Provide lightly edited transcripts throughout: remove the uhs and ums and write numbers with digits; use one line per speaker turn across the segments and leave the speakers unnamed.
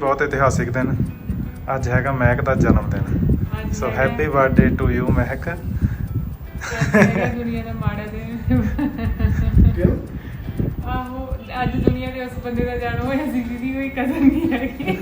ਬਹੁਤ ਇਤਿਹਾਸਿਕ ਦਿਨ। ਅੱਜ ਹੈਗਾ ਮਹਿਕ ਦਾ ਜਨਮ ਦਿਨ। So happy birthday to you Mehak.
ਦੁਨੀਆ ਦਾ ਮਾੜਾ ਦਿਨ।
ਕਿਉਂ?
ਆਹੋ ਅੱਜ ਦੁਨੀਆ ਦੇ ਉਸ ਬੰਦੇ ਦਾ ਜਨਮ ਹੋਇਆ ਸੀ ਜਿਹਦੀ ਕੋਈ ਕਦਰ ਨਹੀਂ ਹੈਗੀ।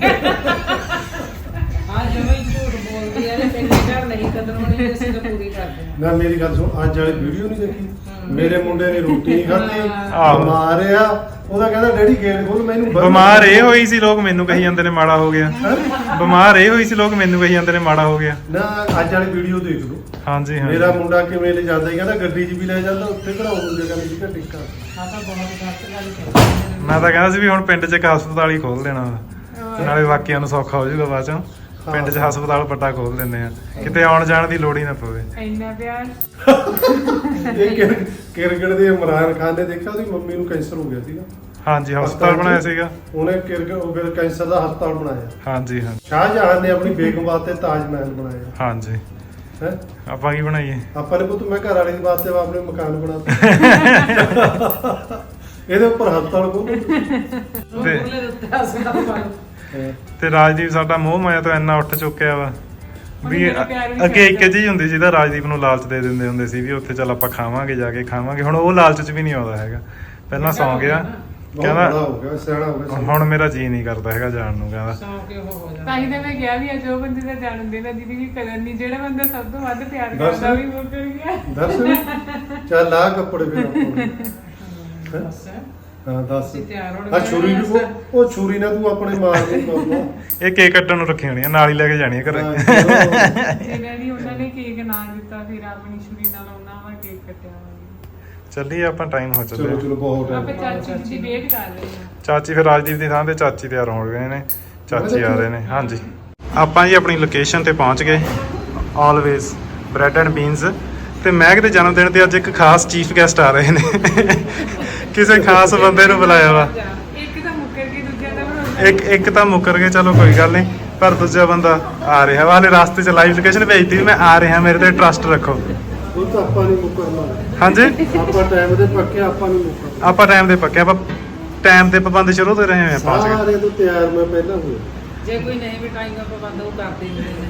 आज जब झूठ बोलती है तेरे घर नहीं कदर होनी तो इसको पूरी कर दे।
ਨਾ ਮੇਰੀ ਗੱਲ ਸੁਣ, ਅੱਜ ਵਾਲੀ ਵੀਡੀਓ ਨਹੀਂ ਦੇਖੀ? ਮੇਰੇ ਮੁੰਡੇ ਨੇ ਰੋਟੀ ਨਹੀਂ ਖਾਧੀ,
ਆਹੋ।
ਬਿਮਾਰ ਆ। ਉਹਦਾ ਕਹਿੰਦਾ ਡੈਡੀ ਗੇਟ ਖੋਲ, ਮੈਨੂੰ
ਬਿਮਾਰ ਇਹ ਹੋਈ ਸੀ, ਲੋਕ ਮੈਨੂੰ ਕਹੀ ਜਾਂਦੇ ਨੇ ਮਾੜਾ ਹੋ ਗਿਆ। ਬਿਮਾਰ ਇਹ ਹੋਈ ਸੀ, ਲੋਕ ਮੈਨੂੰ ਕਹੀ ਜਾਂਦੇ ਨੇ ਮਾੜਾ ਹੋ ਗਿਆ।
ਨਾ ਅੱਜ ਵਾਲੀ ਵੀਡੀਓ ਦੇਖ ਲਓ।
ਹਾਂਜੀ ਹਾਂ।
ਮੇਰਾ ਮੁੰਡਾ ਕਿਵੇਂ ਲੈ ਜਾਂਦਾ, ਕਹਿੰਦਾ ਗੱਡੀ 'ਚ ਵੀ ਲੈ ਜਾਂਦਾ, ਉੱਥੇ ਘੜਾਉਣ ਜਗ੍ਹਾ ਨਹੀਂ ਸੀ ਟਿੱਕਾ।
हाँ तो बहुत गलत गल कर।
ਮੈਂ ਤਾਂ ਕਹਿੰਦਾ ਸੀ ਵੀ ਹੁਣ ਪਿੰਡ 'ਚ ਇੱਕ ਹਸਪਤਾਲ ਹੀ ਖੋਲ ਦੇਣਾ ਵਾ। ਨਾਲੇ ਬਾਕੀਆਂ ਨੂੰ ਸੌਖਾ ਹੋ ਜਾਊਗਾ ਬਾਅਦ ਚੋਂ। ਪਿੰਡ 'ਚ ਹਸਪਤਾਲ ਵੱਡਾ ਖੋਲ ਦਿੰਦੇ ਆ, ਕਿਤੇ ਆਉਣ ਜਾਣ ਦੀ ਲੋੜ ਹੀ ਨਾ ਪਵੇ।
ਇੰਨਾ ਪਿਆਰ।
ਇਹ ਕਿਰਕਟ ਦੇ ਇਮਰਾਨ ਖਾਨ ਨੇ ਦੇਖਿਆ, ਉਹਦੀ ਮੰਮੀ ਨੂੰ ਕੈਂਸਰ ਹੋ ਗਿਆ ਸੀਗਾ।
ਹਾਂਜੀ ਹਸਪਤਾਲ ਬਣਾਇਆ ਸੀਗਾ
ਉਹਨੇ ਫਿਰ ਕੈਂਸਰ ਦਾ ਹਸਪਤਾਲ ਬਣਾਇਆ।
ਹਾਂਜੀ ਹਾਂ।
ਸ਼ਾਹਜਹਾਨ ਨੇ ਆਪਣੀ ਬੇਗਮ ਵਾਸਤੇ ਤਾਜ ਮਹਿਲ ਬਣਾਇਆ
ਹਾਂਜੀ
ਹੈ।
ਆਪਾਂ ਕੀ ਬਣਾਈਏ?
ਆਪਾਂ ਨੇ ਪੁੱਤ ਮੈਂ ਘਰ ਵਾਲੇ ਦੀ ਵਾਸਤੇ ਆਪਣੇ ਮਕਾਨ ਬਣਾਤਾ। ਇਹਦੇ ਉੱਪਰ ਹਸਪਤਾਲ ਖੋਲ੍ਹੋ।
वो बोले तो अस्पताल वालों।
ਤੇ ਰਾਜਦੀਪ ਸਾਡਾ ਮੋਹ ਮਾਇਆ ਤੋਂ ਇੰਨਾ ਉੱਠ ਚੁੱਕਿਆ ਵਾ ਵੀ
ਮੇਰਾ ਪਿਆਰ ਵੀ
ਅੱਗੇ ਇੱਕ
ਛੱਡ
ਚੀਜ਼ ਹੁੰਦੀ ਜਿਹਦਾ ਰਾਜਦੀਪ ਨੂੰ ਲਾਲਚ ਦੇ ਦਿੰਦੇ ਹੁੰਦੇ ਸੀ ਵੀ ਉੱਥੇ ਚੱਲ ਆਪਾਂ ਖਾਵਾਂਗੇ, ਜਾ ਕੇ ਖਾਵਾਂਗੇ। ਹੁਣ ਉਹ ਲਾਲਚ 'ਚ ਵੀ ਨਹੀਂ ਆਉਂਦਾ ਹੈਗਾ। ਪਹਿਲਾਂ ਸੌਂ ਗਿਆ,
ਬਹੁਤ
ਕਹਿੰਦਾ
ਬੜਾ ਹੋ ਗਿਆ, ਸਿਆਣਾ ਹੋ ਗਿਆ।
ਹੁਣ ਮੇਰਾ ਜੀ ਨਹੀਂ ਕਰਦਾ ਹੈਗਾ ਜਾਣ ਨੂੰ। ਕਹਿੰਦਾ
सौ के हो जाए।
ਤਾਂ ਹੀ ਤਾਂ ਮੈਂ ਕਿਹਾ ਵੀ ਅੱਜ ਉਹ ਬੰਦੇ ਦਾ ਜਨਮ ਦਿਨ ਆ ਜਿਹਦੀ ਵੀ ਕਦਰ ਨਹੀਂ, ਜਿਹੜਾ ਬੰਦਾ ਸਭ ਤੋਂ ਵੱਧ ਪਿਆਰ
ਦੱਸ।
ਕਰਦਾ ਵੀ ਮੁੱਕਰ ਗਿਆ।
ਦੱਸ ਚੱਲ ਆ ਕੱਪੜੇ ਫਿਰ ਆਪਾਂ।
बस है।
ਹਾਂ ਦੱਸ।
ਅਸੀਂ ਤਿਆਰ ਹੋਣ
ਆ ਛੁਰੀ ਵੀ ਉਹ ਛੁਰੀ ਨਾਲ ਤੂੰ ਆਪਣੇ ਮਾਰ ਨਹੀਂ ਪਾਉਂਦਾ।
ਇਹ ਕੇਕ ਕੱਟਣ ਨੂੰ ਰੱਖੀ ਹੋਣੀ ਆ, ਨਾਲ ਹੀ ਲੈ ਕੇ ਜਾਣੀ ਆ ਘਰੇ।
ਜਿਹਨਾਂ ਦੀ ਉਹਨਾਂ ਨੇ ਕੇਕ ਨਾ ਦਿੱਤਾ, ਫਿਰ ਆਪਣੀ ਛੁਰੀ ਨਾਲ ਉਹਨਾਂ ਵਾ ਕੇਕ ਕੱਟਿਆ ਹੋਇਆ।
ਚੱਲੀਏ ਆਪਾਂ, ਟਾਈਮ ਹੋ
ਚਲੋ
ਚੱਲਿਆ।
ਚਲੋ ਬਹੁਤ
ਆਪਾਂ
ਟਾਈਮ।
ਚਾਚੀ ਦੀ ਵੇਟ ਕਰ ਰਹੇ ਹਾਂ।
ਚਾਚੀ ਫਿਰ ਰਾਜਦੀਪ ਦੀ ਥਾਂ ਤੇ ਚਾਚੀ ਤਿਆਰ ਹੋ ਗਏ ਨੇ। ਚਾਚੀ ਆ ਰਹੇ ਨੇ। ਹਾਂਜੀ ਆਪਾਂ ਜੀ ਆਪਣੀ ਲੋਕੇਸ਼ਨ ਤੇ ਪਹੁੰਚ ਗਏ। Always bread and beans. ਤੇ ਮਹਿਕ ਦੇ ਜਨਮ ਦਿਨ ਤੇ ਅੱਜ ਇੱਕ ਖਾਸ ਚੀਫ ਗੈਸਟ ਆ ਰਹੇ ਨੇ। ਕਿਸੇ ਖਾਸ ਬੰਦੇ ਨੂੰ ਬੁਲਾਇਆ ਵਾ।
ਇੱਕ ਤਾਂ ਮੁੱਕਰ ਕੇ ਦੂਜਾ ਤਾਂ ਬਣਾਉਂਦਾ।
ਇੱਕ ਤਾਂ ਮੁੱਕਰ ਗਏ, ਚਲੋ ਕੋਈ ਗੱਲ ਨਹੀਂ, ਪਰ ਦੂਜਾ ਬੰਦਾ ਆ ਰਿਹਾ ਵਾ। ਹਾਲੇ ਰਸਤੇ 'ਚ ਲਾਈਵ ਲੋਕੇਸ਼ਨ ਭੇਜਤੀ ਵੀ ਮੈਂ ਆ ਰਿਹਾ, ਮੇਰੇ ਤੇ ਟਰਸਟ ਰੱਖੋ।
ਉਹ ਤਾਂ ਆਪਾਂ ਨਹੀਂ ਮੁਕਰਨਾ।
ਹਾਂਜੀ
ਆਪਾਂ ਟਾਈਮ ਦੇ ਪੱਕੇ, ਆਪਾਂ ਨਹੀਂ ਮੁਕਰਨਾ।
ਆਪਾਂ ਟਾਈਮ ਦੇ ਪੱਕੇ, ਆਪਾਂ ਟਾਈਮ ਦੇ ਪਾਬੰਦ ਸ਼ੁਰੂ ਤੋਂ ਰਹੇ ਹਾਂ। ਪਹੁੰਚ ਗਏ।
ਸਾਰੇ ਤੋਂ ਤਿਆਰ ਮੈਂ ਪਹਿਲਾਂ ਹੋਇਆ।
जे कोई नहीं बिठाएगा पाबंद वो करते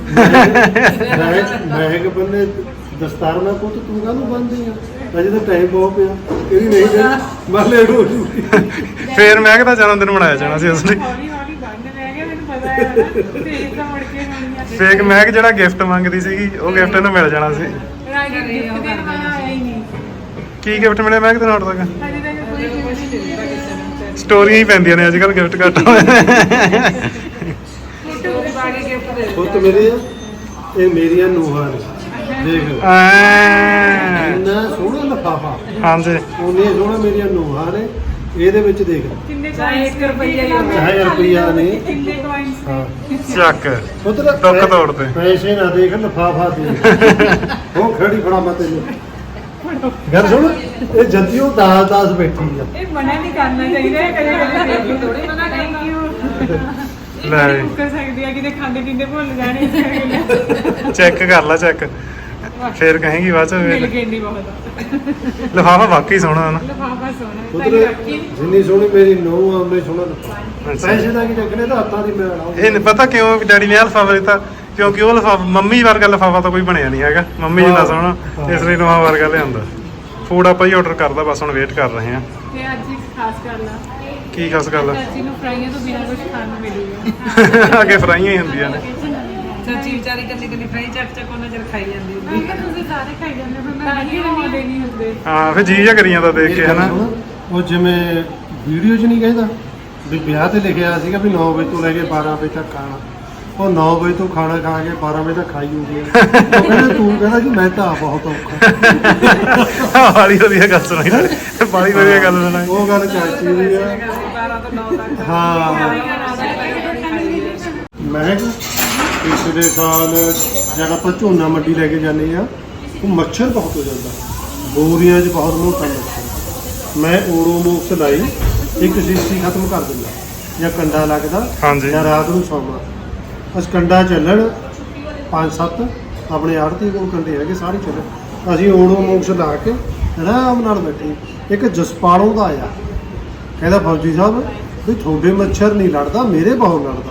ही नहीं।
ਮਹਿਕ ਬੰਨੇ ਦਸਤਾਰ ਨਾਲ ਪੁੱਤ ਤੂੰ ਕਾਹਨੂੰ ਬੰਨਦੀ ਆ? ਅਜੇ ਤਾਂ ਟਾਈਮ ਬਹੁਤ ਪਿਆ। ਇਹਦੀ ਨਹੀਂ ਦੇ ਮੈਂ ਲੇਟ ਹੋ ਜੂਗੀ।
ਫੇਰ ਮਹਿਕ ਦਾ ਜਨਮ ਦਿਨ ਮਨਾਇਆ ਜਾਣਾ ਸੀ ਉਸ ਲਈ।
ਹੌਲੀ ਹੌਲੀ ਬੰਦ ਰਹਿ ਗਿਆ, ਮੈਨੂੰ ਪਤਾ ਹੈ ਨਾ। ਤੇ ਤਾਂ ਮੁੜ ਕੇ ਹੋਣੀ ਆ।
ਫੇਕ ਮਹਿਕ ਜਿਹੜਾ ਗਿਫਟ ਮੰਗਦੀ ਸੀਗੀ, ਉਹ ਗਿਫਟ ਇਹਨੂੰ ਮਿਲ ਜਾਣਾ ਸੀ।
ਰਾਜੀ ਗਿਫਟ ਦੇਣ ਵਾਲਾ ਆਇਆ ਹੀ ਨਹੀਂ।
ਕੀ ਗਿਫਟ ਮਿਲਿਆ ਮਹਿਕ ਦੇ ਨਾਲ ਤੱਕ?
ਹਜੇ ਤੱਕ ਕੋਈ ਗਿਫਟ ਨਹੀਂ ਮਿਲਿਆ।
ਸਟੋਰੀਆਂ ਹੀ ਪੈਂਦੀਆਂ ਨੇ ਅੱਜ ਕੱਲ, ਗਿਫਟ ਘੱਟ ਹੋਏ।
स्टोरी बागी गिफ्ट दे।
ਪੁੱਤ ਮੇਰੇ ਇਹ ਮੇਰੀਆਂ ਨੂੰਹਾਂ ਨੇ। ਦੇਖ
ਐਂ।
ਇੰਨਾ ਸੋਹਣਾ ਲਿਫਾਫਾ,
ਹਾਂਜੀ
ਉਹਨੇ ਸੋਹਣਾ ਮੇਰੀਆਂ ਨੂੰਹਾਂ ਨੇ। ਇਹਦੇ ਵਿੱਚ ਦੇਖ
ਕਿੰਨੇ
ਚਾਹੇ 1 ਰੁਪਈਆ ਹੀ ਹੋਵੇ।
ਚਾਹੇ ਰੁਪਈਆ ਨਹੀਂ।
ਕਿੰਨੇ coins
ਹਾਂ
ਚੱਕ
ਪੁੱਤਰ
ਦੁੱਖ ਤੋੜਦੇ।
ਪੈਸੇ ਨਾ ਦੇਖ, ਲਿਫਾਫਾ ਦੇਖ। ਉਹ ਖੜੀ ਫੜਾ ਮੈਂ ਤੈਨੂੰ ਗੱਲ ਸੁਣ। ਇਹ ਜੱਦੀਓ 10 ਬੈਠੀ ਆ।
ਇਹ ਮਨਾ ਨਹੀਂ ਕਰਨਾ ਚਾਹੀਦਾ ਹੈ ਕਦੇ ਕਦੇ।
ਥੋੜੀ ਮਨਾ
ਥੈਂਕ ਯੂ।
ਲੈ
ਲੈ ਮੁੱਕਰ ਸਕਦੀ ਆ, ਕਿਤੇ ਖਾਂਦੇ ਪੀਂਦੇ ਭੁੱਲ ਜਾਣੇ।
ਚੈੱਕ ਕਰ ਲੈ, ਚੈੱਕ ਫੇਰ ਕਹੇਗੀ ਬਾਅਦ
ਮਿਲ
ਚ।
ਗਏ ਨਹੀਂ ਬਹੁਤ।
ਲਿਫਾਫਾ ਵਾਕਈ ਸੋਹਣਾ ਹੈ ਨਾ।
ਲਿਫਾਫਾ ਸੋਹਣਾ
ਪੁੱਤਰ
ਤਾਂ ਬਾਕੀ
ਜਿੰਨੀ ਸੋਹਣੀ ਮੇਰੀ ਨੂੰਹ ਆ, ਉਹਨੇ ਸੋਹਣਾ ਲਿਫਾਫਾ।
ਅੱਛਾ।
ਪੈਸੇ ਦਾ ਕੀ ਚੱਕਰ, ਤਾਂ ਹੱਥਾਂ ਦੀ ਮੈਂ ਆਉਂ।
ਇਹ ਨੀ ਪਤਾ ਕਿਉਂ ਵੀ ਡੈਡੀ ਨੇ ਆਹ ਲਿਫਾਫਾ ਦਿੱਤਾ, ਕਿਉਂਕਿ ਉਹ ਲਿਫਾਫਾ ਮੰਮੀ ਵਰਗਾ ਲਿਫਾਫਾ ਤਾਂ ਕੋਈ ਬਣਿਆ ਨਹੀਂ ਹੈਗਾ। ਮੰਮੀ ਜਿੰਨਾ ਸੋਹਣਾ, ਇਸ ਲਈ ਨਵਾਂ ਵਰਗਾ ਲਿਆਂਦਾ। ਫੂਡ ਆਪਾਂ ਹੀ ਆਰਡਰ ਕਰਦਾ, ਬਸ ਹੁਣ ਵੇਟ ਕਰ ਰਹੇ ਹਾਂ।
ਤੇ ਅੱਜ ਇੱਕ ਖਾਸ ਗੱਲ ਆ,
ਕੀ ਖਾਸ ਗੱਲ ਆ?
ਚਾਚੀ ਨੂੰ ਫਰਾਈਆਂ ਤੋਂ ਬਿਨਾਂ ਕੁਝ ਖਾਣ ਨੂੰ ਮਿਲੂਗਾ।
ਅੱਗੇ ਫਰਾਈਆਂ ਹੀ ਹੁੰਦੀਆਂ ਨੇ।
ਚਾਚੀ ਵਿਚਾਰੀ ਕੱਲੀ ਫਰਾਈ ਚੱਕ ਉਹਨਾਂ ਚਿਰ ਖਾਈ ਜਾਂਦੀ
ਮੈਂ
ਹੁੰਦੀ।
ਕਿਹਾ ਤੁਸੀਂ ਸਾਰੇ ਖਾਈ ਜਾਂਦੇ ਹੋ, ਮੈਂ ਨਹੀਂ ਆਉਂਦੇ ਨਹੀਂ ਹੁੰਦੇ।
ਹਾਂ ਫਿਰ ਜੀ ਜਾ ਕਰੀ ਜਾਂਦਾ ਦੇਖ ਕੇ, ਹਨਾ।
ਉਹ ਜਿਵੇਂ ਵੀਡੀਓ 'ਚ ਨਹੀਂ ਕਹਿੰਦਾ ਵੀ ਵਿਆਹ ਤੇ ਲਿਖਿਆ ਸੀਗਾ ਵੀ 9 ਵਜੇ ਤੋਂ ਲੈ ਕੇ 12 ਵਜੇ ਤੱਕ ਖਾਣਾ। ਉਹ 9 ਵਜੇ ਤੋਂ ਖਾਣਾ ਖਾ ਕੇ 12 ਵਜੇ ਤੱਕ ਖਾਈ ਹੁੰਦੀ ਹੈ। ਉਹ ਕਹਿੰਦਾ ਤੂੰ ਕਹਿੰਦਾ ਜੀ ਮੈਂ ਤਾਂ ਆਪ ਬਹੁਤ ਔਖਾ।
ਬਾਲੀ ਵਧੀਆ ਗੱਲ ਸੁਣਾਈ, ਬਾਲੀ ਵਧੀਆ ਗੱਲ ਸੁਣਾਈ।
ਉਹ ਗੱਲ ਚਾਚੀ ਦੀ ਆ।
12 ਤੋਂ 9 ਤੱਕ।
ਹਾਂ ਮੈਂ ਪਿਛਲੇ ਸਾਲ ਜਦ ਆਪਾਂ ਝੋਨਾ ਮੰਡੀ ਲੈ ਕੇ ਜਾਂਦੇ ਆ, ਉਹ ਮੱਛਰ ਬਹੁਤ ਹੋ ਜਾਂਦਾ, ਬੋਰੀਆਂ 'ਚ ਬਹੁਤ ਮੋਟਾ ਮੱਛਰ। ਮੈਂ ਓਡੋਮੋਕਸ ਲਾਈ, ਇੱਕ ਸ਼ੀਸ਼ੀ ਖਤਮ ਕਰ ਦਿੰਦਾ, ਜਾਂ ਕੰਡਾ ਲੱਗਦਾ
ਹਾਂਜੀ।
ਜਾਂ ਰਾਤ ਨੂੰ ਸੌਣਾ। ਬਸ ਕੰਡਾ ਚੱਲਣ 5-7 ਆਪਣੇ ਆੜਤੀ ਕੋਲ ਕੰਡੇ ਹੈਗੇ, ਸਾਰੇ ਚੱਲਣ। ਅਸੀਂ ਓਡੋਮੋਕਸ ਲਾ ਕੇ ਆਰਾਮ ਨਾਲ ਬੈਠੇ। ਇੱਕ ਜਸਪਾਲੋਂ ਦਾ ਆਇਆ, ਕਹਿੰਦਾ ਫੌਜੀ ਸਾਹਿਬ ਵੀ ਤੁਹਾਡੇ ਮੱਛਰ ਨਹੀਂ ਲੜਦਾ, ਮੇਰੇ ਬਹੁਤ ਲੜਦਾ।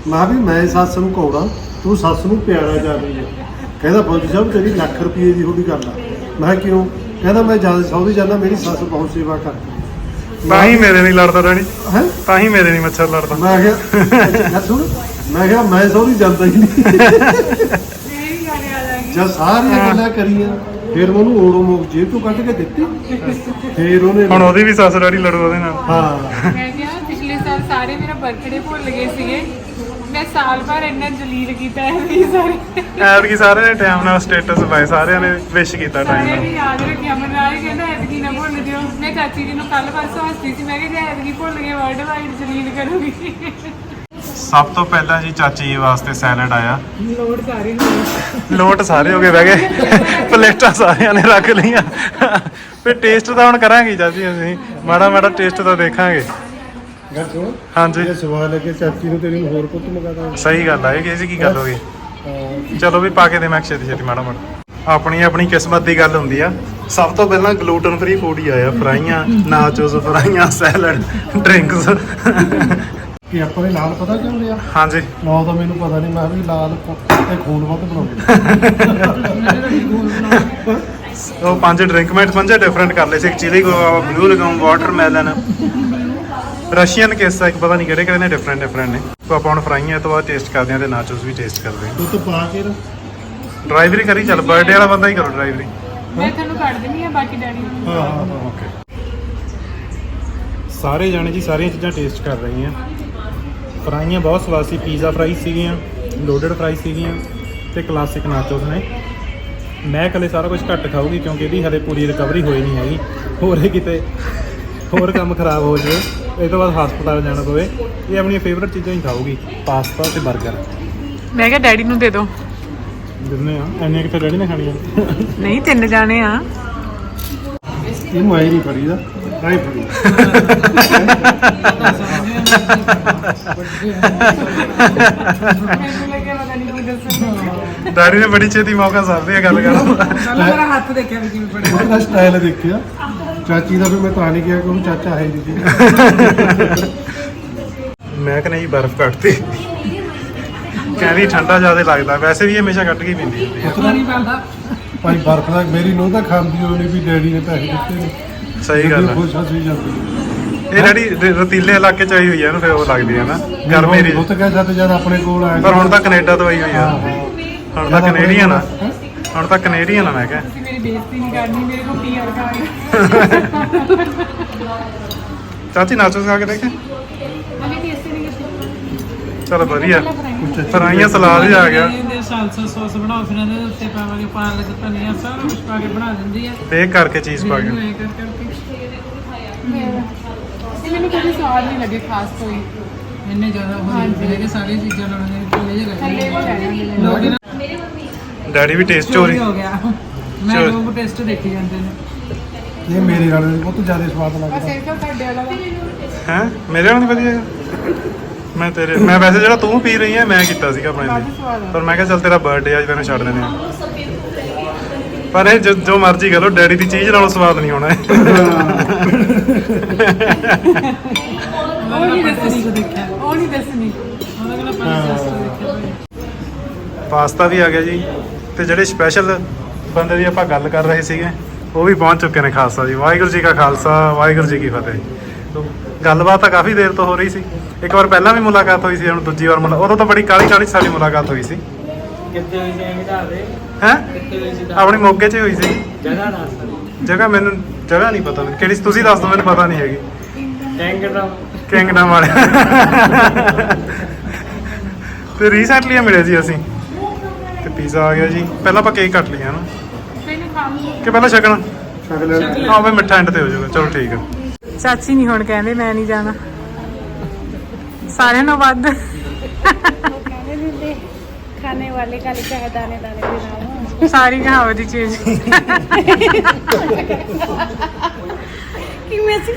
ਮੈਂ ਵੀ ਮੈਂ ਸੱਸ ਨੂੰ ਕੌੜਾ ਤੂੰ ਸੱਸ ਨੂੰ ਪਿਆਰਾ ਜਾ ਰਹੀ ਹੈ। ਕਹਿੰਦਾ ਫੌਜੀ ਸਾਹਿਬ ਤੇਰੀ ਲੱਖ ਰੁਪਏ ਦੀ ਥੋੜੀ ਗੱਲ ਆ। ਮੈਂ ਕਿਹਾ ਕਿਉਂ? ਕਹਿੰਦਾ ਮੈਂ ਜਦ ਸਹੁਰੇ ਜਾਂਦਾ ਮੇਰੀ ਸੱਸ ਬਹੁਤ ਸੇਵਾ ਕਰਦੀ।
ਤਾਂ ਹੀ ਮੇਰੇ ਨਹੀਂ ਲੜਦਾ ਰਾਣੀ,
ਹੈ
ਤਾਂ ਹੀ ਮੇਰੇ ਨਹੀਂ ਮੱਛਰ ਲੜਦਾ।
ਮੈਂ ਕਿਹਾ ਸੁਣ, ਮੈਂ ਕਿਹਾ ਮੈਂ ਸਹੁਰੇ ਜਾਂਦਾ ਹੀ ਨਹੀਂ।
ਇਹ ਵੀ ਗਾਣੇ ਆ ਜਾਣਗੇ।
ਜਦ ਸਾਰੀਆਂ ਗੱਲਾਂ ਕਰੀਆਂ ਫਿਰ ਮੈਂ ਉਹਨੂੰ ਓੜੋ ਮੋਕ ਜੇਬ ਤੋਂ ਕੱਢ ਕੇ ਦਿੱਤੀ। ਫਿਰ ਉਹਨੇ
ਹੁਣ ਉਹਦੀ ਵੀ ਸੱਸ ਡੈਡੀ ਲੜੂ ਉਹਦੇ ਨਾਲ।
ਹਾਂ
ਮੈਂ ਕਿਹਾ ਪਿਛਲੇ ਸਾਲ ਸਾਰੇ ਮੇਰਾ ਬਰਥਡੇ ਭੁੱਲ ਗਏ ਸੀਗੇ, ਮੈਂ ਸਾਲ ਭਰ ਇੰਨਾ ਜਲੀਲ ਕੀਤਾ ਹੈ ਵੀ ਸਾਰੇ
ਐਤਕੀ ਸਾਰਿਆਂ ਨੇ ਟਾਈਮ ਨਾਲ ਸਟੇਟਸ ਪਾਏ, ਸਾਰਿਆਂ ਨੇ ਵਿਸ਼ ਕੀਤਾ ਟਾਈਮ
ਸਾਰਿਆਂ
ਨਾਲ।
ਨੇ ਯਾਦ ਰੱਖਿਆ। ਮਨਰਾਜ ਕਹਿੰਦਾ ਐਤਕੀ ਨਾ ਭੁੱਲ ਜਿਓ। ਮੈਂ ਚਾਚੀ ਜੀ ਨੂੰ ਕੱਲ ਪਰਸੋਂ ਹੱਸਦੀ ਸੀ, ਮੈਂ ਕਿਹਾ ਜੇ ਐਤਕੀ ਭੁੱਲ ਗਏ ਵਰਲਡ ਵਾਈਡ ਜਲੀਲ ਕਰੂਗੀ।
ਸਭ ਤੋਂ ਪਹਿਲਾਂ ਜੀ ਚਾਚੀ ਜੀ ਵਾਸਤੇ ਸੈਲਡ ਆਇਆ।
ਲੋੜ ਸਾਰੇ ਹੋਏ।
ਲੋਟ ਸਾਰੇ ਹੋ ਗਏ ਬਹਿ ਗਏ, ਪਲੇਟਾਂ ਸਾਰਿਆਂ ਨੇ ਰੱਖ ਲਈਆਂ। ਫਿਰ ਟੇਸਟ ਤਾਂ ਹੁਣ ਕਰਾਂਗੇ ਚਾਚੀ, ਅਸੀਂ ਮਾੜਾ ਮਾੜਾ ਟੇਸਟ ਤਾਂ ਦੇਖਾਂਗੇ।
ਗੱਲ ਸੁਣ,
ਹਾਂਜੀ
ਇਹ ਸਵਾਲ ਹੈ ਕਿ ਚਾਚੀ ਨੂੰ ਤੇਰੀ ਨੂੰ ਹੋਰ ਕੁਝ ਮੰਗਾਦਾ।
ਸਹੀ ਗੱਲ ਆ, ਇਹ ਕਿਸੇ ਕੀ ਗੱਲ ਹੋ ਗਈ। ਚਲੋ ਵੀ ਪਾ ਕੇ ਦੇ ਮੈਂ ਛੇਤੀ ਛੇਤੀ ਮਾੜਾ ਮਾੜਾ। ਆਪਣੀ ਆਪਣੀ ਕਿਸਮਤ ਦੀ ਗੱਲ ਹੁੰਦੀ ਆ। ਸਭ ਤੋਂ ਪਹਿਲਾਂ ਗਲੂਟਨ ਫ੍ਰੀ ਫੂਡ ਹੀ ਆਇਆ, ਫਰਾਈਆਂ, ਨਾਚੋਸ, ਫਰਾਈਆਂ, ਸੈਲਡ, ਡਰਿੰਕਸ।
ਕਿ ਆਪਾਂ ਨੇ ਲਾਲ ਪਤਾ ਕਿਉਂ ਲਿਆ?
ਹਾਂਜੀ
ਨਾ ਤਾਂ ਮੈਨੂੰ ਪਤਾ ਨਹੀਂ, ਮੈਂ ਵੀ ਲਾਲ ਤੇ ਖੂਨ ਵੱਧ ਬਣਾਉਂਦੇ।
ਉਹ 5 ਡਰਿੰਕ ਮੈਂ 5 ਡਿਫਰੈਂਟ ਕਰ ਲਏ ਸੀ। ਇੱਕ chilli guava, blue lagoon, watermelon, Russian kiss ਇੱਕ ਪਤਾ ਨਹੀਂ ਕਿਹੜੇ ਕਿਹੜੇ ਨੇ, ਡਿਫਰੈਂਟ ਨੇ। ਤਾਂ ਆਪਾਂ ਹੁਣ ਫਰਾਈਆਂ ਤੋਂ ਬਾਅਦ ਟੇਸਟ ਕਰਦੇ ਹਾਂ ਤੇ ਨਾਚੋਸ ਵੀ ਟੇਸਟ ਕਰਦੇ ਹਾਂ।
ਦੁੱਧ ਪਾ ਕੇ ਨਾ
ਡਰਾਈਵਰੀ ਕਰੀ, ਚੱਲ ਬਰਥਡੇ ਵਾਲਾ ਬੰਦਾ ਹੀ ਕਰੋ ਡਰਾਈਵਰੀ।
ਮੈਂ ਤੁਹਾਨੂੰ ਕੱਢ ਦਿੰਦੀ ਆ, ਬਾਕੀ ਡੈਡੀ ਨੂੰ।
ਹਾਂ ਹਾਂ ਹਾਂ
ਓਕੇ, ਸਾਰੇ ਜਾਣੇ ਜੀ ਸਾਰੀਆਂ ਚੀਜ਼ਾਂ ਟੇਸਟ ਕਰ ਰਹੇ ਆ। ਫਰਾਈਆਂ ਬਹੁਤ ਸਵਾਦ ਸੀ, ਪੀਜ਼ਾ ਫਰਾਈ ਸੀਗੀਆਂ, ਲੋਡਡ ਫਰਾਈ ਸੀਗੀਆਂ ਤੇ ਕਲਾਸਿਕ ਨਾਚੋਸ ਨੇ। ਮੈਂ ਇਕੱਲੇ ਸਾਰਾ ਕੁਝ ਘੱਟ ਖਾਊਗੀ ਕਿਉਂਕਿ ਇਹਦੀ ਹਲੇ ਪੂਰੀ ਰਿਕਵਰੀ ਹੋਈ ਨਹੀਂ ਹੈਗੀ। ਹੋਰ ਇਹ ਕਿਤੇ ਹੋਰ ਕੰਮ ਖਰਾਬ ਹੋ ਜਾਵੇ, ਇਹ ਤੋਂ ਬਾਅਦ ਹਸਪਤਾਲ ਜਾਣਾ ਪਵੇ। ਇਹ ਆਪਣੀਆਂ ਫੇਵਰਟ ਚੀਜ਼ਾਂ ਹੀ ਖਾਊਗੀ, ਪਾਸਤਾ ਤੇ 버ਗਰ।
ਮੈਂ ਕਿਹਾ ਡੈਡੀ ਨੂੰ ਦੇ ਦਿਓ।
ਦਿੰਦੇ ਆ, ਇੰਨੇ ਕਿਤੇ ਡੈਡੀ ਨੇ ਖਾਣੀਆਂ।
ਨਹੀਂ 3 ਜਾਣੇ ਆ।
ਇਹ ਮਾਈ ਨਹੀਂ ਫੜੀਦਾ, ਨਹੀਂ ਫੜੀ।
ਮੈਨੂੰ ਲੱਗਿਆ ਪਤਾ ਨਹੀਂ ਕੀ ਦੱਸਣਾ।
ਡੈਡੀ ਨੇ ਬੜੀ ਛੇਤੀ ਮੌਕਾ ਸਾਰਦੇ ਆ ਗੱਲ ਕਰਨ ਦਾ।
ਮੇਰਾ ਹੱਥ ਦੇਖਿਆ ਵੀ ਕਿਵੇਂ ਫੜਿਆ।
ਉਹਦਾ ਸਟਾਈਲ ਦੇਖਿਆ ਚਾਚੀ ਦਾ, ਵੀ ਮੈਂ ਤਾਂ ਨਹੀਂ ਕਿਹਾ ਕਿ ਉਹਨੂੰ ਚਾਚਾ ਹੈ ਨਹੀਂ।
ਮੈਂ ਕਹਿੰਦਾ ਜੀ ਬਰਫ਼ ਕੱਟਤੀ, ਕਹਿੰਦੀ ਠੰਡਾ ਜ਼ਿਆਦਾ ਲੱਗਦਾ। ਵੈਸੇ ਵੀ ਇਹ ਹਮੇਸ਼ਾ ਕੱਟ ਕੇ ਹੀ ਪੀਂਦੀ ਹੁੰਦੀ ਹੈ।
ਨਹੀਂ ਪਾਉਂਦਾ।
ਭਾਈ ਬਰਫ ਦਾ ਮੇਰੀ ਨੂੰਹ ਤਾਂ ਖਾਂਦੀ ਹੋਣੀ ਵੀ ਡੈਡੀ ਨੇ ਪੈਸੇ ਦਿੱਤੇ ਨੇ।
ਸਹੀ ਗੱਲ ਹੈ।
ਖੁਸ਼ ਹੱਸੀ ਜਾਂਦੀ।
ਇਹ ਜਿਹੜੀ ਰਤੀਲੇ ਇਲਾਕੇ ਚ ਆਈ ਹੋਈ ਹੈ ਨਾ, ਫਿਰ ਉਹ ਲੱਗਦੀ ਹੈ ਨਾ ਗਰਮ ਏਰੀਆ।
ਉਹ ਤਾਂ ਕਹਿੰਦਾ ਜਦ ਆਪਣੇ ਕੋਲ ਆਇਆ
ਪਰ ਹੁਣ ਤਾਂ ਕੈਨੇਡਾ ਤੋਂ ਆਈ ਹੋਈ ਆ, ਹੁਣ ਤਾਂ ਕੈਨੇਡੀਅਨ ਆ,
ਹੈਂ?
ਹੁਣ ਤਾਂ ਕੈਨੇਡੀਅਨ ਆ। ਮੈਂ ਕਿਹਾ
ਤੁਸੀਂ ਮੇਰੀ ਬੇਇੱਜ਼ਤੀ ਨਹੀਂ ਕਰਨੀ, ਮੇਰੇ ਕੋਲ ਪੀਆਰ ਕਾਰਡ।
ਚਾਚੀ ਨਾਚੋਸ ਖਾ ਕੇ ਦੇਖੇ,
ਅਭੀ ਟੇਸਟ ਨਹੀਂ ਕੀਤੀ।
ਚਲੋ ਵਧੀਆ। ਫਰਾਈਆਂ ਸਲਾਦ ਹੀ ਆ ਗਿਆ।
ਇਹਦੇ ਸਾਲਸਾ ਸੌਸ ਬਣਾਓ, ਫਿਰ ਇਹਦੇ ਉੱਤੇ ਪਾਵਾਂਗੇ ਪਾਲਕ, ਧਨੀਆ, ਸਾਰਾ ਕੁਝ ਪਾ ਕੇ ਬਣਾ ਦਿੰਦੀ ਆ।
ਬੇਕ ਕਰਕੇ ਚੀਜ਼ ਪਾ ਕੇ।
ਮੈਨੂੰ ਐਂ ਕਰ ਕਰਕੇ
ਇਹ ਮੈਨੂੰ ਕਦੇ ਸਵਾਦ ਨਹੀਂ ਲੱਗੇ ਖਾਸ ਕੋਈ।
ਇੰਨੇ ਜ਼ਿਆਦਾ ਹੋ ਜਾਂਦੇ ਕਿ ਸਾਰੀਆਂ ਚੀਜ਼ਾਂ ਲਾਉਣੀਆਂ ਥੱਲੇ ਜਿਹੇ
ਥੱਲੇ
ਲੱਗਦੇ
ਰਹਿ
ਲੋਕ ਨਾ
ਡੈਡੀ ਵੀ ਟੇਸਟ ਚੋਰੀ।
ਹੋ ਗਿਆ। ਮੈਂ
ਚੋਰੀ।
ਲੋਕ ਟੈਸਟ ਦੇਖੀ ਜਾਂਦੇ ਨੇ।
ਇਹ ਮੇਰੇ ਨਾਲ ਬਹੁਤ ਜ਼ਿਆਦਾ ਸਵਾਦ
ਬਸ
ਲੱਗਦਾ।
ਇਹ ਤਾਂ ਤੁਹਾਡੇ ਵਾਲਾ ਵਾ।
ਹੈ ਮੇਰੇ ਨਾਲ ਨਹੀਂ ਵਧੀਆ ਹੈਗਾ। ਮੈਂ ਵੈਸੇ ਜਿਹੜਾ ਤੂੰ ਪੀ ਰਹੀ ਹੈ ਮੈਂ ਕੀਤਾ ਸੀਗਾ ਆਪਣੇ
ਕਾਫੀ
ਲਈ,
ਸਵਾਦ ਆ।
ਪਰ ਮੈਂ ਕਿਹਾ ਚੱਲ ਤੇਰਾ ਬਰਥਡੇ ਅੱਜ ਤੈਨੂੰ ਛੱਡ ਦਿੰਦੇ ਆ। ਪਰ ਇਹ ਜੋ ਮਰਜ਼ੀ ਕਰ ਲਓ, ਡੈਡੀ ਦੀ ਚੀਜ਼ ਨਾਲੋਂ ਸਵਾਦ ਨਹੀਂ ਹੋਣਾ ਇਹ।
ਉਹ ਨਹੀਂ ਦੱਸਣੀ।
ਕੋ ਦੇਖਿਆ
ਉਹ ਨਹੀਂ ਦੱਸਣੀ।
ਉਹਦਾ ਕੋਲ ਪਹਿਲਾਂ ਟੈਸਟ ਦੇਖਿਆ।
ਪਾਸਤਾ ਵੀ ਆ ਗਿਆ ਜੀ, ਤੇ ਜਿਹੜੇ ਸਪੈਸ਼ਲ ਬੰਦੇ ਦੀ ਆਪਾਂ ਗੱਲ ਕਰ ਰਹੇ ਸੀਗੇ ਉਹ ਵੀ ਪਹੁੰਚ ਚੁੱਕੇ ਨੇ ਖਾਲਸਾ ਜੀ। ਵਾਹਿਗੁਰੂ ਜੀ ਕਾ ਖਾਲਸਾ, ਵਾਹਿਗੁਰੂ ਜੀ ਕੀ ਫਤਿਹ। ਗੱਲਬਾਤ ਤਾਂ ਕਾਫੀ ਦੇਰ ਤੋਂ ਹੋ ਰਹੀ ਸੀ। ਇੱਕ ਵਾਰ ਪਹਿਲਾਂ ਵੀ ਮੁਲਾਕਾਤ ਹੋਈ ਸੀ, ਹੁਣ ਦੂਜੀ ਵਾਰ ਉਦੋਂ ਤਾਂ ਬੜੀ ਕਾਹਲੀ ਸਾਡੀ ਮੁਲਾਕਾਤ ਹੋਈ ਸੀ।
ਕਿੱਥੇ ਹੋਈ ਸੀ ਇਹਦਾ ਦੇ?
ਹੈ
ਕਿੱਥੇ ਹੋਈ ਸੀ?
ਆਪਣੀ ਮੋਗੇ 'ਚ ਹੋਈ ਸੀ।
ਜਗ੍ਹਾ ਦੱਸ।
ਜਗ੍ਹਾ ਮੈਨੂੰ ਜਗ੍ਹਾ ਨਹੀਂ ਪਤਾ, ਕਿਹੜੀ ਤੁਸੀਂ ਦੱਸ ਦਿਓ, ਮੈਨੂੰ ਪਤਾ ਨਹੀਂ ਹੈਗੀ।
ਟੈਂਗਡਮ।
ਕਿੰਗਡਮ ਵਾਲੇ ਤੇ ਰੀਸੈਂਟਲੀ ਮਿਲੇ ਸੀ ਅਸੀਂ। ਤੇ ਪੀਜ਼ਾ ਆ ਗਿਆ ਜੀ। ਪਹਿਲਾਂ ਆਪਾਂ ਕੇਕ ਕੱਟ ਲਿਆ ਨਾ,
ਮੈਨੂੰ ਖਾਣ ਨੂੰ
ਕਿ ਪਹਿਲਾਂ ਛਕਣਾ?
ਛਕ ਲੈ।
ਹਾਂ ਬਈ ਮਿੱਠਾ ਐਂਡ ਤੇ ਹੋ ਜਾਊਗਾ। ਚਲੋ ਠੀਕ ਆ।
ਚਾਚੀ ਨਹੀਂ ਹੁਣ ਕਹਿੰਦੇ ਮੈਂ ਨਹੀਂ ਜਾਣਾ, ਸਾਰਿਆਂ ਨੂੰ ਵੱਧ।
कहने देते खाने वाले का लिखा है दाने दाने पे नाम।
ਸਾਰੀ ਕਹਾਵਤ ਦੀ ਚੀਜ਼।
कि मैं से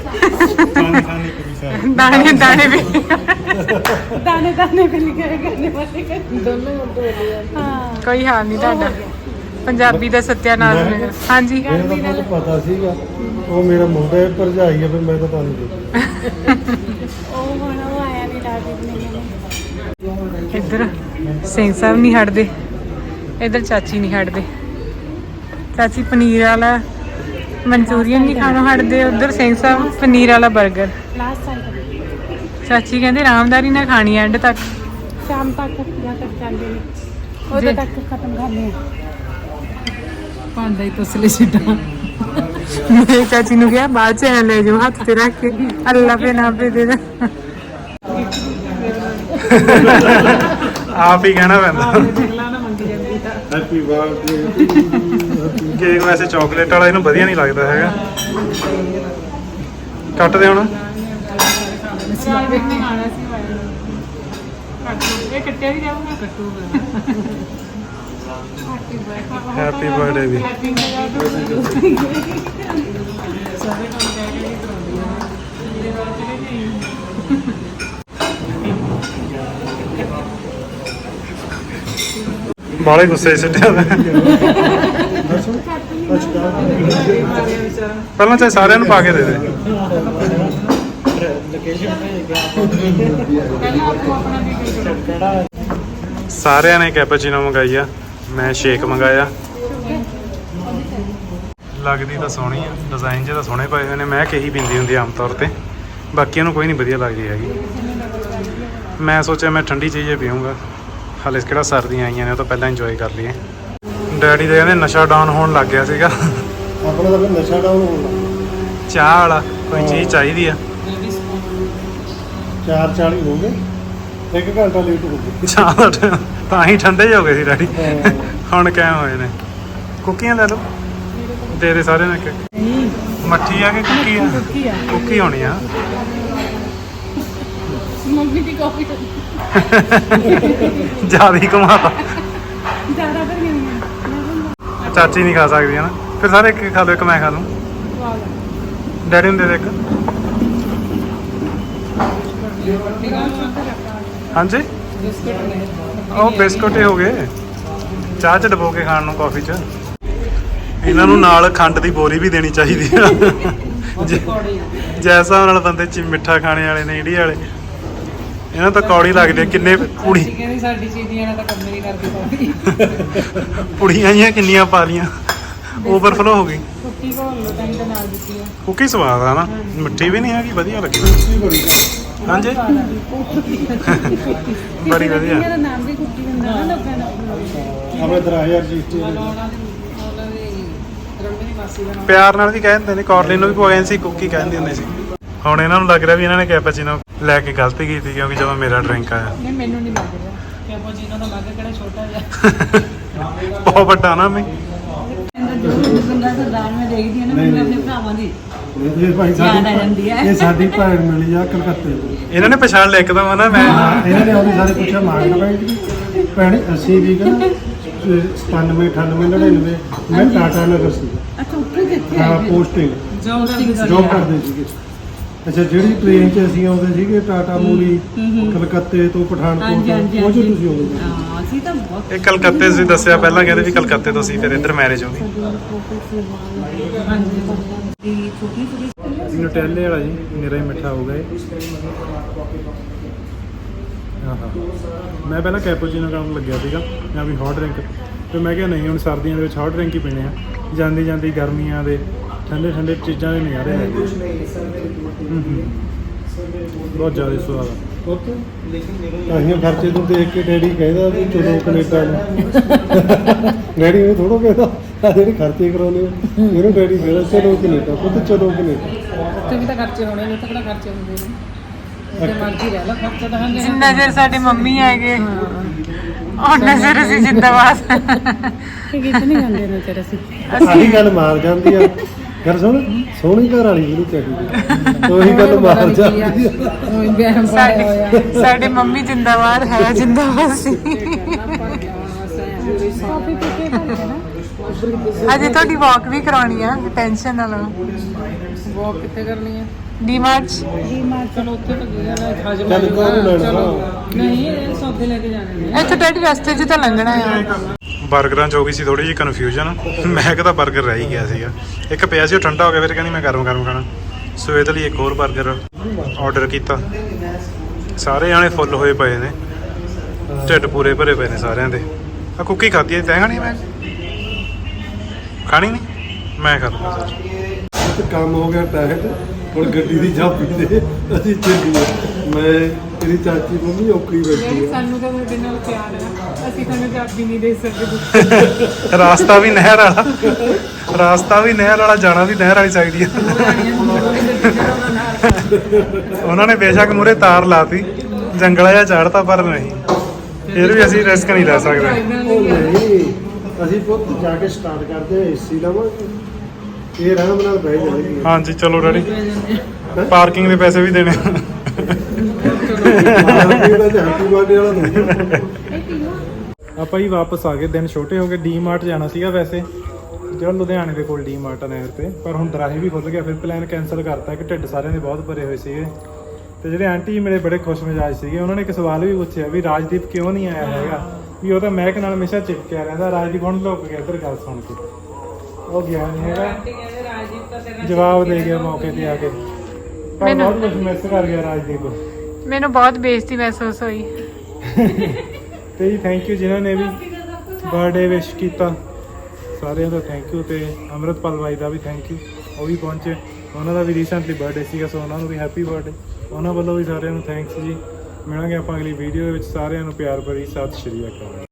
ਦਾਣੇ ਦਾਣੇ ਵੀ।
दाने दाने पे लिखा है खाने वाले का। दोनों हाँ
ਕੋਈ ਹਾਲ ਨਹੀਂ ਤੁਹਾਡਾ। ਪੰਜਾਬੀ ਦਾ ਸੱਤਿਆਨਾਸ਼ ਹੋਵੇਗਾ। ਹਾਂਜੀ
ਮੈਨੂੰ ਤਾਂ ਬਹੁਤ ਪਤਾ ਸੀਗਾ ਉਹ ਮੇਰਾ ਮੁੰਡਾ ਹੈ, ਭਰਜਾਈ ਹੈ, ਫਿਰ ਮੈਂ ਤਾਂ ਪਾਣੀ ਦੇ।
ओ होना वो आया नहीं डाल ने
ਇੱਧਰ ਸਿੰਘ ਸਾਹਿਬ ਨਹੀਂ ਹਟਦੇ, ਇੱਧਰ ਚਾਚੀ ਨਹੀਂ ਹਟਦੇ। ਚਾਚੀ ਪਨੀਰ ਵਾਲਾ ਮਨਚੂਰੀਅਨ ਨਹੀਂ ਖਾਣੋਂ ਹਟਦੇ, ਉਧਰ ਸਿੰਘ ਸਾਹਿਬ ਪਨੀਰ ਵਾਲਾ 버ਗਰ।
लास्ट साल
ਚਾਚੀ ਕਹਿੰਦੇ ਆਰਾਮਦਾਰੀ ਨਾਲ ਖਾਣੀ ਐਂਡ ਤੱਕ।
शाम तक जहाँ तक चलते नहीं उधर तक खत्म करने
ਭਾਂਡਾ ਹੀ ਤਸਲੇ ਛੱਡਾਂ।
ਮੇਰੇ ਚਾਚੀ ਨੂੰ ਕਿਹਾ ਬਾਅਦ ਚ ਐਂ ਲੈ ਜਾਓ ਹੱਥ ਤੇ ਰੱਖ ਕੇ, ਅੱਲਾ ਪੇ ਨਾ ਪੇ ਦੇ ਦੇ।
ਆਪ ਹੀ ਕਹਿਣਾ ਪੈਂਦਾ।
ਅਗਲਾ ਨਾ ਮੰਗੀ ਜਾਂਦੀ ਤਾਂ
ਹੈਪੀ ਬਰਥਡੇ
ਕੇਕ ਵੈਸੇ ਚਾਕਲੇਟ ਵਾਲਾ ਇਹਨੂੰ ਵਧੀਆ ਨਹੀਂ ਲੱਗਦਾ ਹੈਗਾ। ਕੱਟ ਦੇ ਹੁਣ।
ਨਹੀਂ ਖਾਣਾ ਸੀ ਇਹ ਕੱਟਿਆ ਵੀ ਜਾਊਗਾ। ਕੱਟੂਗਾ।
ਹੈਪੀ ਬਰਥਡੇ ਵੀ।
ਸਾਰੇ ਕੰਮ ਕਹਿ ਕੇ ਕਰਾਉਂਦੀ ਆ ਮੇਰੇ ਬਾਅਦ ਚਲੇ
ਬਾਲੇ ਗੁੱਸੇ 'ਚ ਸਿੱਟਿਆ ਹੋਇਆ। ਪਹਿਲਾਂ ਚਾਹੇ ਸਾਰਿਆਂ ਨੂੰ ਪਾ ਕੇ ਦੇ ਦੇ।
ਪਹਿਲਾਂ ਆਪੋ ਆਪਣਾ ਵੀ ਕਰੋ।
ਸਾਰਿਆਂ ਨੇ ਕੈਪੂਚੀਨੋ ਮੰਗਾਈ ਆ, ਮੈਂ ਸ਼ੇਕ ਮੰਗਾਇਆ। ਲੱਗਦੀ ਤਾਂ ਸੋਹਣੀ ਆ, ਡਿਜ਼ਾਈਨ ਜਿਹੇ ਤਾਂ ਸੋਹਣੇ ਪਏ ਹੋਏ ਨੇ। ਮੈਂ ਕਹੀ ਪੀਂਦੀ ਹੁੰਦੀ ਆਮ ਤੌਰ ਤੇ, ਬਾਕੀਆਂ ਨੂੰ ਕੋਈ ਨਹੀਂ ਵਧੀਆ ਲੱਗਦੀ ਹੈਗੀ। ਮੈਂ ਸੋਚਿਆ ਮੈਂ ਠੰਡੀ ਚੀਜ਼ ਹੀ ਪੀਊਂਗਾ, ਹਾਲੇ ਕਿਹੜਾ ਸਰਦੀਆਂ ਆਈਆਂ ਨੇ, ਉਹ ਤਾਂ ਪਹਿਲਾਂ ਇੰਜੋਏ ਕਰ ਲਈਏ। ਡੈਡੀ ਦੇ ਕਹਿੰਦੇ ਨਸ਼ਾ ਡਾਊਨ ਹੋਣ ਲੱਗ ਗਿਆ ਸੀਗਾ।
ਆਪਣਾ ਤਾਂ ਫਿਰ ਨਸ਼ਾ ਡਾਊਨ ਹੋਣਾ।
ਚਾਹ ਵਾਲਾ ਕੋਈ ਚੀਜ਼ ਚਾਹੀਦੀ ਆ।
4:40 ਹੋ ਗਏ, 1 ਘੰਟਾ ਲੇਟ ਹੋ ਗਏ।
ਚਾਹ ਦਾ time ਤਾਂ ਹੀ ਠੰਡੇ ਹੋ ਗਏ ਸੀ ਡੈਡੀ। ਹੁਣ ਕਿਵੇਂ ਹੋਏ ਨੇ। ਕੁੱਕੀਆਂ ਲੈ ਲਓ, ਦੇ ਦੇ ਸਾਰਿਆਂ ਨੂੰ ਇੱਕ। ਮੱਠੀ ਆ ਕਿ ਕੁੱਕੀ ਆ? ਕੁੱਕੀ ਹੋਣੀ ਆ।
मम्मी की कॉफी
ਜ਼ਿਆਦਾ ਹੀ ਘੁਮਾਤਾ।
ज़्यादा कर नहीं
ਚਾਚੀ ਨਹੀਂ ਖਾ ਸਕਦੀ ਹੈ ਨਾ, ਫਿਰ ਸਾਰੇ ਇੱਕ ਖਾ ਲਓ, ਇੱਕ ਮੈਂ ਖਾ ਲੂੰ। ਡੈਡੀ ਨੂੰ ਦੇ ਦੇ ਇੱਕ। ਹਾਂਜੀ ਉਹ ਬਿਸਕੁਟ ਹੀ ਹੋ ਗਏ, ਚਾਹ ਚ ਡਬੋ ਕੇ ਖਾਣ ਨੂੰ, ਕਾਫੀ ਚ। ਇਹਨਾਂ ਨੂੰ ਨਾਲ ਖੰਡ ਦੀ ਬੋਰੀ ਵੀ ਦੇਣੀ ਚਾਹੀਦੀ ਆ। ਜੈਸਾ ਨਾਲ ਬੰਦੇ ਚ ਮਿੱਠਾ ਖਾਣੇ ਵਾਲੇ ਨੇ, ਇੰਡੀਆ ਵਾਲੇ, ਇਹਨਾਂ ਤਾਂ ਕੌੜੀ ਲੱਗਦੀ ਆ। ਕਿੰਨੇ ਪੁੜੀ
ਕਹਿੰਦੀ ਸਾਡੀ ਚੀਜ਼ੀਆਂ ਨਾਲ ਤਾਂ ਕੰਮ ਨਹੀਂ ਕਰਦੀ ਕੋਈ।
ਪੁੜੀਆਂ ਜੀਆਂ ਕਿੰਨੀਆਂ ਪਾ ਲੀਆਂ, ਓਵਰਫਲੋ ਹੋ ਗਈ।
ਕੁੱਕੀ ਘੋਲ ਲਓ ਤਾਂ ਹੀ ਤਾਂ ਨਾਲ ਦਿੱਤੀ ਆ।
ਕੁੱਕੀ ਸਵਾਦ ਆ ਨਾ, ਮਿੱਠੀ ਵੀ ਨਹੀਂ ਹੈਗੀ, ਵਧੀਆ ਲੱਗੀ। ਹਾਂਜੀ ਬੜੀ ਵਧੀਆ।
मेरा नाम भी कुकी बंदा ना लोगों ने
ਆਪਣੇ 3000 ਰਜਿਸਟਰੀ
ਉਹਨਾਂ ਦੀ ਰੰਗ ਦੀ ਮਾਸੀ ਦਾ ਨਾਮ
ਪਿਆਰ ਨਾਲ ਵੀ ਕਹਿ ਦਿੰਦੇ ਨੇ, ਕਾਰਲਿਨ ਨੂੰ ਵੀ ਪਵਾਇਆ ਸੀ, ਕੁੱਕੀ ਕਹਿੰਦੇ ਹੁੰਦੇ ਸੀ। ਹੁਣ ਇਹਨਾਂ ਨੂੰ ਲੱਗ ਰਿਹਾ ਵੀ ਇਹਨਾਂ ਨੇ ਕੈਪੂਚੀਨੋ ਲੈ ਕੇ ਗਲਤੀ ਕੀਤੀ, ਕਿਉਂਕਿ ਜਦੋਂ ਮੇਰਾ ਡਰਿੰਕ ਆਇਆ।
ਨਹੀਂ ਮੈਨੂੰ ਨਹੀਂ ਲੱਗ ਰਿਹਾ।
ਕੈਪੂਚੀਨੋ ਦਾ ਲੱਗ ਕਿਹੜਾ ਛੋਟਾ ਜਿਹਾ।
ਬਹੁਤ ਵੱਡਾ ਨਾ ਮੈਂ।
ਬੰਦਾ ਸਰਦਾਰ ਮੈਂ ਦੇਖਦੀ ਹਾਂ ਨਾ, ਮੈਨੂੰ ਆਪਣੇ ਭਰਾਵਾਂ ਦੀ
ਇਹ ਭਾਈ
ਯਾਦ ਆ ਜਾਂਦੀ ਹੈ।
ਇਹ ਸਾਡੀ ਭੈਣ ਮਿਲੀ ਆ ਕਲਕੱਤੇ ਤੋਂ।
ਇਹਨਾਂ ਨੇ ਪਛਾਣ ਲਿਆ ਇੱਕਦਮ ਨਾ ਮੈਂ।
ਇਹਨਾਂ ਨੇ ਆਉਂਦੇ ਸਾਰੇ ਪੁੱਛਿਆ ਮਾਰਕ ਬੈਂਕ ਭੈਣ ਅਸੀਂ ਵੀ ਕਹਿੰਦਾ 97 98 99 ਮੈਂ ਟਾਟਾ ਨਗਰ ਸੀ।
अच्छा ऊपर कितने
ਹਾਂ ਪੋਸਟਿੰਗ ਜੋਬ ਕਰਦੇ ਸੀਗੇ। ਅੱਛਾ ਜਿਹੜੀ ਟ੍ਰੇਨ 'ਚ ਅਸੀਂ ਆਉਂਦੇ ਸੀਗੇ ਟਾਟਾ ਮੂਲੀ ਕਲਕੱਤੇ ਤੋਂ ਪਠਾਨਕੋਟ ਤੋਂ, ਉਹ 'ਚ ਤੁਸੀਂ ਆਉਂਦੇ ਸੀ।
ਹਾਂ ਅਸੀਂ ਤਾਂ ਬਹੁਤ
ਇਹ ਕਲਕੱਤੇ ਸੀ ਦੱਸਿਆ ਪਹਿਲਾਂ, ਕਹਿੰਦੇ ਵੀ ਕਲਕੱਤੇ ਤੋਂ ਸੀ, ਫਿਰ ਇੱਧਰ ਮੈਰਿਜ ਹੋ ਗਈ।
ਦੀ ਛੋਟੀ ਛੋਟੀ
ਨੂਟੈਲੇ ਵਾਲਾ ਜੀ, ਮੇਰਾ ਹੀ ਮਿੱਠਾ ਹੋ ਗਿਆ। ਆਹਾ ਮੈਂ ਪਹਿਲਾਂ ਕੈਪੂਚੀਨੋ ਕਰਨ ਲੱਗਿਆ ਸੀਗਾ ਜਾਂ ਵੀ ਹੌਟ ਡਰਿੰਕ, ਤੇ ਮੈਂ ਕਿਹਾ ਨਹੀਂ ਹੁਣ ਸਰਦੀਆਂ ਦੇ ਵਿੱਚ ਹੌਟ ਡਰਿੰਕ ਹੀ ਪੀਣੇ ਆ। ਜਾਂਦੀ ਜਾਂਦੀ ਗਰਮੀਆਂ ਦੇ ਠੰਡੇ ਠੰਡੇ ਚੀਜ਼ਾਂ ਦੇ ਨਜ਼ਾਰੇ ਲੈ ਗਏ। ਬਹੁਤ ਜ਼ਿਆਦਾ ਸਵਾਦ ਆ।
ਅਸੀਂ ਖਰਚੇ ਤੋਂ ਦੇਖ ਕੇ ਡੈਡੀ ਕਹਿੰਦਾ ਵੀ ਚਲੋ ਕੈਨੇਡਾ ਨੂੰ। ਡੈਡੀ ਨੂੰ ਥੋੜੋ ਕਹਿੰਦਾ ਆ ਜਿਹੜੇ ਖਰਚੇ ਕਰਾਉਂਦੇ ਹੋ, ਇਹਨੂੰ ਡੈਡੀ ਕਹਿੰਦਾ ਚਲੋ ਕੈਨੇਡਾ, ਪੁੱਤ ਚਲੋ ਕੈਨੇਡਾ।
ਉੱਥੇ ਵੀ ਤਾਂ ਖਰਚੇ ਹੋਣੇ ਨੇ, ਉੱਥੇ ਕਿਹੜਾ ਖਰਚੇ ਹੁੰਦੇ ਨੇ। ਜਿੱਥੇ ਮਰਜ਼ੀ ਰਹਿ ਲਾ, ਖਰਚਾ ਤਾਂ ਹੁੰਦੇ
ਜਿੰਨਾ ਚਿਰ ਸਾਡੇ ਮੰਮੀ ਹੈਗੇ ਉਹਨਾਂ ਚਿਰ ਅਸੀਂ ਜਿੰਦਾਬਾਦ।
कितने गंदे ने तेरे से
ਆਹੀ ਗੱਲ ਮਾਰ ਜਾਂਦੀ ਆ। ਗੱਲ ਸੁਣ, ਸੋਹਣੀ ਘਰ ਵਾਲੀ ਜਿਹਨੂੰ ਚਾਹੀਦੀ, ਉਹੀ ਗੱਲ ਮਾਰ ਜਾਂਦੀ ਆ।
ਉਹ ਬਹਿਮ ਪਾਇਆ ਹੋਇਆ।
ਸਾਡੇ ਮੰਮੀ ਜਿੰਦਾਬਾਦ ਹੈ, ਜਿੰਦਾਬਾਦ ਸੀ।
कॉफी पी के करके ना
ਅਜੇ ਤੁਹਾਡੀ ਵਾਕ ਵੀ ਕਰਾਉਣੀ ਆ, ਟੈਨਸ਼ਨ ਨਾ ਲਓ।
ਵਾਕ ਕਿੱਥੇ ਕਰਨੀ ਹੈ?
ਡੀਮਾਰਟ
डी मार्ट
ਚਲੋ ਉੱਥੇ ਤਾਂ ਗਏ ਨਾ, ਹਾਜ਼ਮ
ਚੱਲ ਕੋਈ ਨੀ ਲੈਣਾ।
ਨਹੀਂ ਇਹ ਸੌਦੇ ਲੈ ਕੇ ਜਾਣੇ ਨੇ।
ਇੱਥੇ ਡੈਡੀ ਰਸਤੇ 'ਚ ਤਾਂ ਲੰਘਣਾ ਆ।
ਬਰਗਰਾਂ 'ਚ ਹੋ ਗਈ ਸੀ ਥੋੜੀ ਜਿਹੀ ਕਨਫਿਊਜ਼ਨ। ਮੈਂ ਕਿਹਾ ਬਰਗਰ ਰਹਿ ਹੀ ਗਿਆ ਸੀਗਾ, ਇੱਕ ਪਿਆ ਸੀ ਉਹ ਠੰਡਾ ਹੋ ਗਿਆ, ਫਿਰ ਕਹਿੰਦੀ ਮੈਂ ਗਰਮ ਗਰਮ ਖਾਣਾ, ਸੋ ਇਹਦੇ ਲਈ ਇੱਕ ਹੋਰ ਬਰਗਰ ਆਰਡਰ ਕੀਤਾ। ਸਾਰੇ ਜਾਣੇ ਫੁੱਲ ਹੋਏ ਪਏ ਨੇ, ਢਿੱਡ ਪੂਰੇ ਭਰੇ ਪਏ ਨੇ ਸਾਰਿਆਂ ਦੇ। ਆ ਕੁੱਕੀ ਖਾਧੀ ਹੈ, ਤੈਂ ਖਾਣੀ? ਮੈਂ ਖਾਣੀ ਨਹੀਂ, ਮੈਂ ਖਾ ਲੂੰਗਾ ਸਰ।
ਤੇ ਕੰਮ ਹੋ ਗਿਆ ਟਾਇਟ, ਹੁਣ ਗੱਡੀ ਦੀ ਚਾਬੀ ਦੇ ਅਸੀਂ ਚੱਲੀਏ। ਮੈਂ ਤੇਰੀ ਚਾਚੀ ਮੰਮੀ ਔਖੀ ਬੈਠੀ ਆ।
ਸਾਨੂੰ ਤਾਂ ਤੁਹਾਡੇ ਨਾਲ ਪਿਆਰ ਹੈ, ਅਸੀਂ ਤੁਹਾਨੂੰ ਚਾਬੀ ਨਹੀਂ ਦੇ ਸਕਦੇ।
ਰਾਸਤਾ ਵੀ ਨਹਿਰ ਵਾਲਾ, ਰਾਸਤਾ ਵੀ ਨਹਿਰ ਵਾਲਾ, ਜਾਣਾ ਵੀ ਨਹਿਰ ਵਾਲੀ ਚਾਹੀਦੀ ਆ। ਉਹਨਾਂ ਨੇ ਬੇਸ਼ੱਕ ਮੂਰੇ ਤਾਰ ਲਾਤੀ, ਜੰਗਲਾ ਜਿਹਾ ਚਾੜਤਾ, ਪਰ ਨਹੀਂ, ਫਿਰ ਵੀ ਅਸੀਂ ਰਿਸਕ ਨਹੀਂ ਲੈ ਸਕਦੇ।
ਉਹ ਨਹੀਂ, ਅਸੀਂ ਪੁੱਤ ਜਾ ਕੇ ਸਟਾਰਟ ਕਰਦੇ ਏਸੀ ਲਵਾਂਗੇ, ਇਹ ਆਰਾਮ ਨਾਲ ਬਹਿ ਜਾਣਗੇ।
ਹਾਂਜੀ ਚਲੋ ਡੈਡੀ, ਪਾਰਕਿੰਗ ਦੇ ਪੈਸੇ ਵੀ ਦੇਣੇ। ਆਪਾਂ ਹੀ ਵਾਪਸ ਆ ਗਏ, ਦਿਨ ਛੋਟੇ ਹੋ ਗਏ। ਡੀ-ਮਾਰਟ ਜਾਣਾ ਸੀਗਾ ਵੈਸੇ, ਜਿਹੜਾ ਲੁਧਿਆਣੇ ਦੇ ਕੋਲ ਡੀ-ਮਾਰਟ ਆ ਨਹਿਰ ਤੇ, ਪਰ ਹੁਣ ਦਰਾਹੇ ਵੀ ਖੁੱਲ ਗਿਆ, ਫਿਰ ਪਲਾਨ ਕੈਂਸਲ ਕਰਤਾ ਕਿ ਢਿੱਡ ਸਾਰਿਆਂ ਦੇ ਬਹੁਤ ਭਰੇ ਹੋਏ ਸੀਗੇ। ਤੇ ਜਿਹੜੇ ਆਂਟੀ ਜੀ ਮੇਰੇ ਬੜੇ ਖੁਸ਼ ਮਿਜਾਜ ਸੀਗੇ, ਉਹਨਾਂ ਨੇ ਇੱਕ ਸਵਾਲ ਵੀ ਪੁੱਛਿਆ ਵੀ ਰਾਜਦੀਪ ਕਿਉਂ ਨਹੀਂ ਆਇਆ ਹੈਗਾ, ਵੀ ਉਹ ਤਾਂ ਮਹਿਕ ਨਾਲ ਹਮੇਸ਼ਾ ਚਿਪਕਿਆ ਰਹਿੰਦਾ। ਰਾਜਦੀਪ ਹੁਣ ਲੁੱਕ ਗਿਆ ਇੱਧਰ ਗੱਲ ਸੁਣ ਕੇ, ਉਹ ਗਿਆ ਨਹੀਂ ਹੈਗਾ, ਜਵਾਬ ਦੇ ਗਿਆ ਮੌਕੇ ਤੇ ਆ ਕੇ, ਪਰ ਬਹੁਤ ਕੁਝ ਮਿਸ ਕਰ ਗਿਆ ਰਾਜਦੀਪ।
ਮੈਨੂੰ ਬਹੁਤ ਬੇਇੱਜ਼ਤੀ ਮਹਿਸੂਸ ਹੋਈ।
ਤੇ ਜੀ ਥੈਂਕ ਯੂ ਜਿਨ੍ਹਾਂ ਨੇ ਵੀ ਬਰਥਡੇ ਵਿਸ਼ ਕੀਤਾ, ਸਾਰਿਆਂ ਦਾ ਥੈਂਕ ਯੂ। ਤੇ ਅੰਮ੍ਰਿਤਪਾਲ ਬਾਈ ਦਾ ਵੀ ਥੈਂਕ ਯੂ, ਉਹ ਵੀ ਪਹੁੰਚੇ, ਉਹਨਾਂ ਦਾ ਵੀ ਰੀਸੈਂਟਲੀ ਬਰਥਡੇ ਸੀਗਾ, ਸੋ ਉਹਨਾਂ ਨੂੰ ਵੀ ਹੈਪੀ ਬਰਥਡੇ। ਉਹਨਾਂ ਵੱਲੋਂ ਵੀ ਸਾਰਿਆਂ ਨੂੰ ਥੈਂਕਸ ਜੀ। ਮਿਲਾਂਗੇ ਆਪਾਂ ਅਗਲੀ ਵੀਡੀਓ ਦੇ ਵਿੱਚ। ਸਾਰਿਆਂ ਨੂੰ ਪਿਆਰ ਭਰੀ ਸਤਿ ਸ਼੍ਰੀ ਅਕਾਲ।